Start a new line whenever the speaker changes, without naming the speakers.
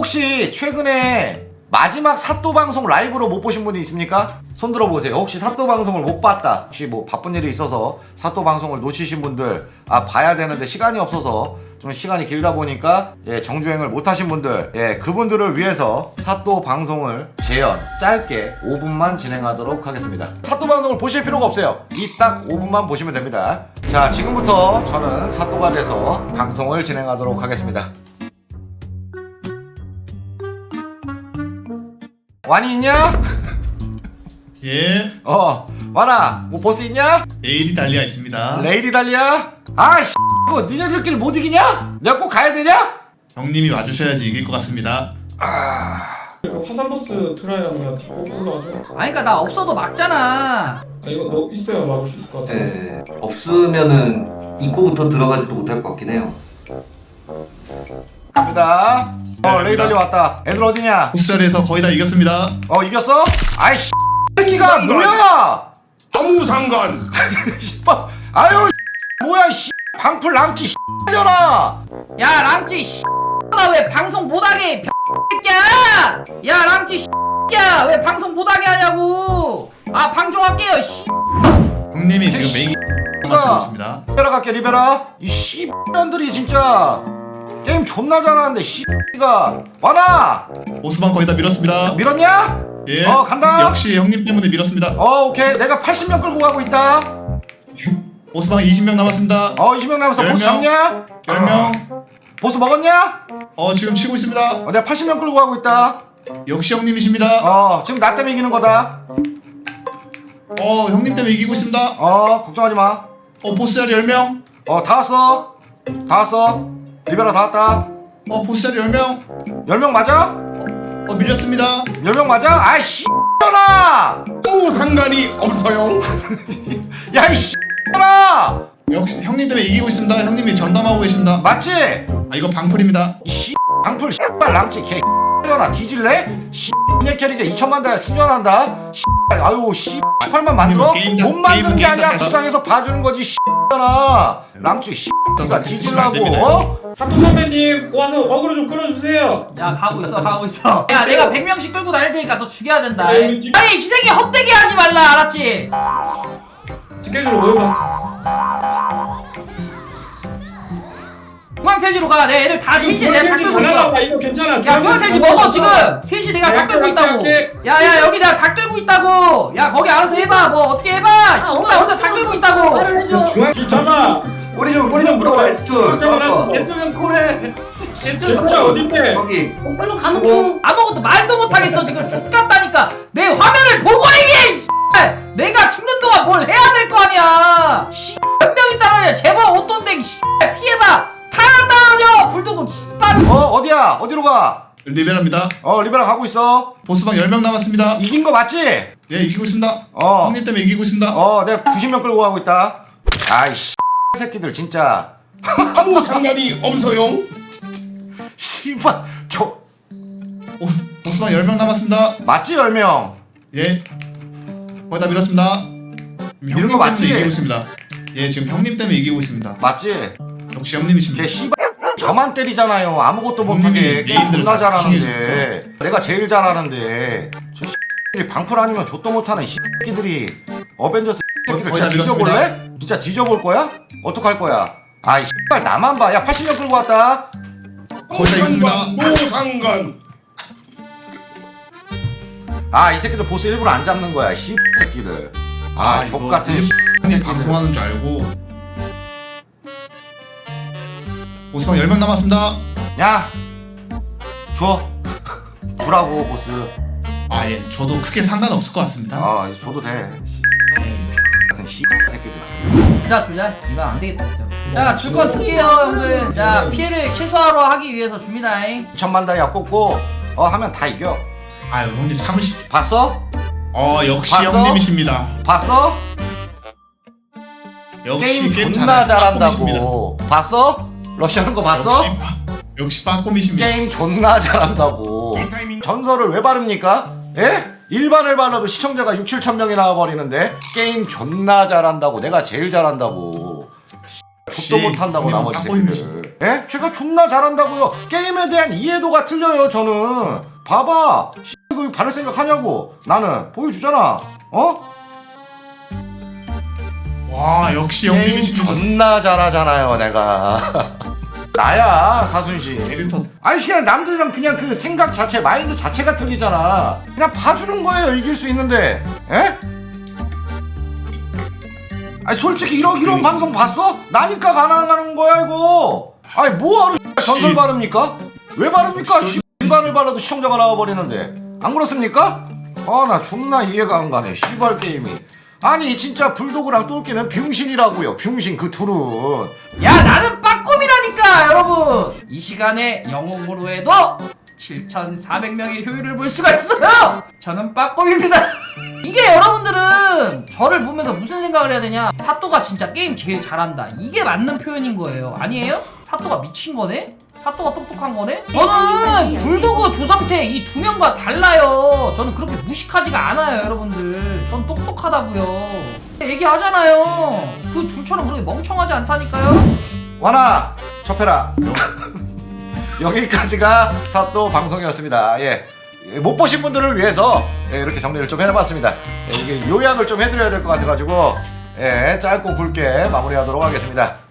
혹시 최근에 마지막 사또 방송 라이브로 못 보신 분이 있습니까? 손 들어보세요. 혹시 사또 방송을 못 봤다, 혹시 뭐 바쁜 일이 있어서 사또 방송을 놓치신 분들, 아 봐야 되는데 시간이 없어서 좀 시간이 길다 보니까 정주행을 못 하신 분들, 그분들을 위해서 사또 방송을 재연 짧게 5분만 진행하도록 하겠습니다. 사또 방송을 보실 필요가 없어요. 이 딱 5분만 보시면 됩니다. 자, 지금부터 저는 사또가 돼서 방송을 진행하도록 하겠습니다. 완이 있냐?
예.
완아, 뭐 보스 있냐?
레이디 달리아 있습니다.
레이디 달리야? 아이씨, 뭐 니네들끼리 못 이기냐? 내가 꼭 가야 되냐?
형님이 와주셔야지 이길 것 같습니다.
화산 보스 트라이 하면 자꾸 올라가죠.
아니 그니까 나 없어도 막잖아.
아 이거 너 있어야 막을 수 있을 것 같아.
네, 없으면은 입구부터 들어가지도 못할 것 같긴 해요.
갑니다. 레이디 달리 왔다. 애들 어디냐?
보스자리에서 거의 다 이겼습니다.
이겼어? 아이씨, 새끼가 뭐야?
아무 상관.
씨발, 아유, 뭐야, 씨, 방풀 랑치, 씨려라.
야 랑찌 나 왜 방송 못하게 새끼야. 야 랑찌 새끼야 왜 방송 못하게 하냐고. 아 방송할게요 씨.
형님이 지금 메인 마시고 있습니다.
리베라 갈게, 리베라. 이 씨년들이 진짜 게임 존나 잘하는데 씨가 완아
보스방 거의 다 밀었습니다.
밀었냐?
예.
간다.
역시 형님 때문에 밀었습니다.
오케이. 내가 80명 끌고 가고 있다.
보스방 20명 남았습니다.
20명 남았어. 보스
10명.
잡냐?
10명.
보스 먹었냐?
지금 치고 있습니다.
내가 80명 끌고 가고 있다.
역시 형님이십니다.
지금 나 때문에 이기는 거다.
형님 때문에 이기고 있습니다.
걱정하지 마.
보스자리 10명.
다 왔어. 다 왔어. 리베라 다 왔다.
보스자리 10명.
10명 맞아?
밀렸습니다.
10명 맞아? 아이 씨X나!
아무 상관이 없어요.
야 이 씨X나!
역시 형님 때문에 이기고 있습니다. 형님이 전담하고 계십니다.
맞지?
이거 방풀입니다.
이 씨 방풀 씨발 랑치 개 X려나 뒤질래? 씨 분해 캐릭에 2천만 다야 충전한다. 씨 아유 씨 18만 만들어?
게임
못 만든 게
게임
아니야.
시작해서.
불쌍해서 봐주는 거지 씨X나. 랑치 씨가 뒤질라고.
사또 선배님 와서 어그로 좀 끌어주세요.
야 가고 있어. 야 내가 100명씩 끌고 다닐 테니까 너 죽여야 된다.
네, 우리 집-
아니 희생이 헛되게 하지 말라 알았지?
스케줄로 모여봐.
중앙퇴지로 가. 내 애들 다 셋이 내가 다 끌고 있어.
이거 괜찮아.
야 중앙퇴지 먹어 지금. 셋이 내가 다 끌고 있다고. 야야 여기 내가 다 끌고 있다고. 야 거기 알아서 해봐. 뭐 어떻게 해봐. 나 혼자 다 끌고 있다고.
중앙 귀찮아.
꼬리 좀 물어봐. S2 잡았어.
대통령 코레.
진짜 어딘데?
저기
별로 가면 아무것도 말도 못하겠어 지금. 족같다니까. 내 화면을 보고 얘기해. 씨발. 내가 죽는 동안 뭘 해야 될 거 아니야. 몇 명이 따라다녀. 제발 어떤데. 피해봐. 다 따라다녀. 불도고 씨발.
어디야? 어디로 가?
리베라입니다.
리베라 가고 있어.
보스방 10명 남았습니다.
이긴 거 맞지?
예, 이기고 있습니다.
어.
형님 때문에 이기고 있습니다.
내가 90명 끌고 가고 있다. 아이 씨 새끼들 진짜.
아무 상관이 없어요.
씨발
보스방 10명 남았습니다.
맞지 10명?
예. 거의 다 밀었습니다.
이런 거 맞지?
이기고 있습니다. 예, 지금 형님 때문에 이기고 있습니다.
맞지?
역시 형님이십니다.
걔 씨발 저만 때리잖아요. 아무것도 못하게. 게임 존나
다
잘하는데 내가 제일 잘하는데 저 새끼들이 방풀 아니면 좆도 못하는 새끼들이 어벤져스 새끼를
거의
진짜
다
뒤져볼래? 진짜 뒤져볼 거야? 어떡할 거야? 아이 씨발 나만 봐. 야 80명 끌고 왔다.
거의 다 이겼습니다.
노 상관.
이 새끼들 보스 일부러 안 잡는 거야. 씨 새끼들.
이거
족같은
형님
새끼들.
방송하는 줄 알고. 보스방 10명 남았습니다.
야 줘. 주라고 보스.
예, 저도 크게 상관없을 것 같습니다.
이제 줘도 돼. 씨
예.
같은 씨 새끼들.
주자 이건 안 되겠다 진짜. 자 줄 건 줄게요 형들. 자 피해를 최소화로 하기 위해서 줍니다.
2천만 다이아 꽂고 하면 다 이겨.
형님 참으십시오.
봤어?
역시
봤어?
형님이십니다.
봤어?
역시
게임 존나 잘한다고. 봤어? 러시아는 거 봤어?
역시 빠꼼이십니다.
게임 존나 잘한다고. 전설을 왜 바릅니까? 예? 일반을 발라도 시청자가 6, 7천 명이 나와버리는데 게임 존나 잘한다고. 내가 제일 잘한다고. 족도 못한다고
형님은
나머지
빡보입니다.
새끼들. 예? 제가 존나 잘한다고요. 게임에 대한 이해도가 틀려요 저는. 봐봐. 그 바를 생각하냐고. 나는 보여주잖아. 어?
와 역시
게임
형님이시죠.
존나 잘하잖아요 내가. 나야 사순씨. 아니 그냥 남들이랑 그냥 그 생각 자체 마인드 자체가 틀리잖아. 그냥 봐주는 거예요 이길 수 있는데. 에? 아니 솔직히 이런 방송 봤어? 나니까 가능한 거야 이거. 아니 뭐하러 전설 바릅니까? 왜 바릅니까? 일반을 발라도 시청자가 나와버리는데 안 그렇습니까? 아 나 존나 이해가 안 가네 씨발 게임이. 아니 진짜 불도그랑 똘끼는 병신이라고요. 병신 그 둘은.
야 나는 빠꼼이라니까 여러분. 이 시간에 영웅으로 해도 7,400명의 효율을 볼 수가 있어요. 저는 빠꼼입니다. 이게 여러분들은 저를 보면서 무슨 생각을 해야 되냐, 사또가 진짜 게임 제일 잘한다, 이게 맞는 표현인 거예요. 아니에요? 사또가 미친 거네? 사또가 똑똑한 거네? 저는 불도그 조상태 이 두 명과 달라요. 저는 그렇게 무식하지가 않아요 여러분들. 전 똑똑하다고요. 얘기하잖아요. 그 둘처럼 그렇게 멍청하지 않다니까요.
와나 접해라. 여기까지가 사또 방송이었습니다. 예. 못 보신 분들을 위해서 이렇게 정리를 좀 해봤습니다. 이게 요약을 좀 해드려야 될 것 같아가지고 짧고 굵게 마무리하도록 하겠습니다.